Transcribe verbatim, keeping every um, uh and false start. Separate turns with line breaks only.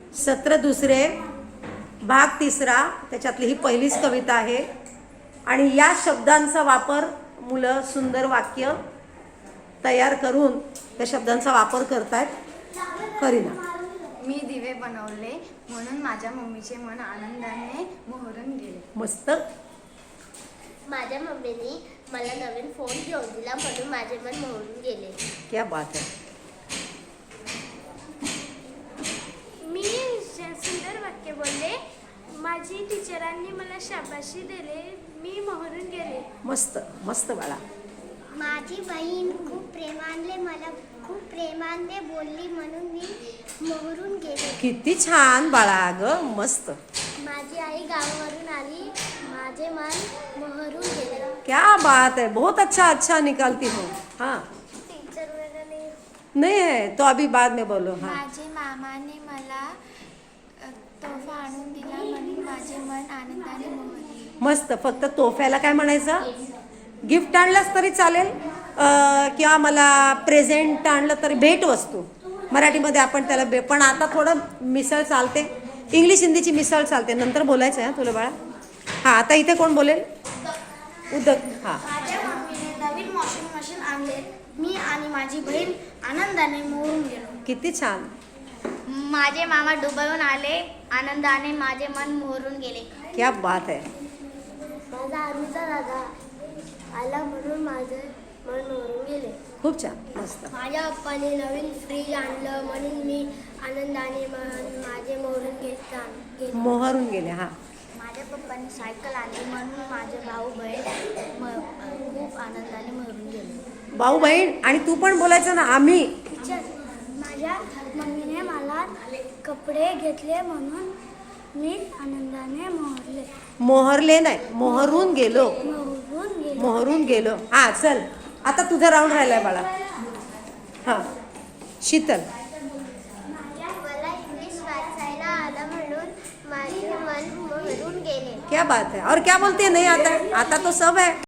सत्र दुसरे भाग तिसरा, त्याच्यातली ही पहिलीच कविता आहे आणि या शब्दांचा वापर मुलं सुंदर वाक्य तयार करून त्या शब्दांचा वापर करतायत. करीना.
मी दिवे बनवले म्हणून माझ्या मम्मीचे मन आनंदाने मोहरून गेले.
मस्त.
माझ्या मम्मीने मला नवीन फोन घेऊन दिला म्हणून माझे मन मोहरून गेले.
क्या बात आहे.
मी सुंदर वाक्य बोलले. माझी टीचरांनी मला शाबाशी दिले. मी मोहरून गेले.
मस्त मस्त बाळा.
माझी बहीण खूप प्रेमाने मला खूप प्रेमाने बोलली म्हणून मी मोहरून गेले.
किती छान बाळा ग. मस्त.
माझी आई गावावरून आली. माझे मन मोहरून गेले.
क्या बात है. बहुत अच्छा अच्छा निकालती हो. हाँ
टीचर वगैरे
नहीं है तो अभी बाद में बोलो. हाँ
माझे मामाने मला अ, तोफा आणून दिला म्हणून माझे मन आनंदाने मोहरले.
मस्त. फक्त तोफ्याला काय म्हणायचं. गिफ्ट आणलंच तरी चालेल अं, किंवा मला प्रेझेंट आणलं तरी भेटवस्तू मराठीमध्ये आपण त्याला बे पण आता थोडं मिसळ चालते. इंग्लिश हिंदीची मिसळ चालते. नंतर बोलायचं आहे तुला बाळा. हां आता इथे कोण बोलेल. उदक. हां
माझ्या मम्मीने नवीन वॉशिंग मशीन आणले. मी आणि माझी बहीण आनंदाने मोहरून गेलो.
किती छान.
माझे मामा दुबईहून आले. आनंदाने माझे मन मोहरून गेले.
क्या बात है.
माझा आर्मीचा दादा आला म्हणून माझे मन मोहरून गेले.
खूप छान. मस्त.
माझ्या पप्पाने नवीन फ्रीज आणलं म्हणून मी आनंदाने मन माझे मोहरून गेले.
मोहरून गेले. हां
माझ्या पप्पांनी सायकल आणली म्हणून माझे भाऊ बहीण म- खूप आनंदाने मोहरून गेले.
भाऊ बहीण आणि तू पण बोलायचं ना. आम्ही.
टीचर, माझ्या मम्मीने मला कपडे घेतले म्हणून मी आनंदाने मोहरले.
मोहरले नाही मोहरून गेलो.
मोहरून गेले.
मोहरून गेलो. हां चल आता तुझा राऊंड राहिलाय बाळा. हां शीतल.
मला इंग्लिश वाचायला आलं म्हणून माझे मन मोहरून गेले.
क्या बात है. और क्या बोलते हैं. नहीं आता आता तो सब है.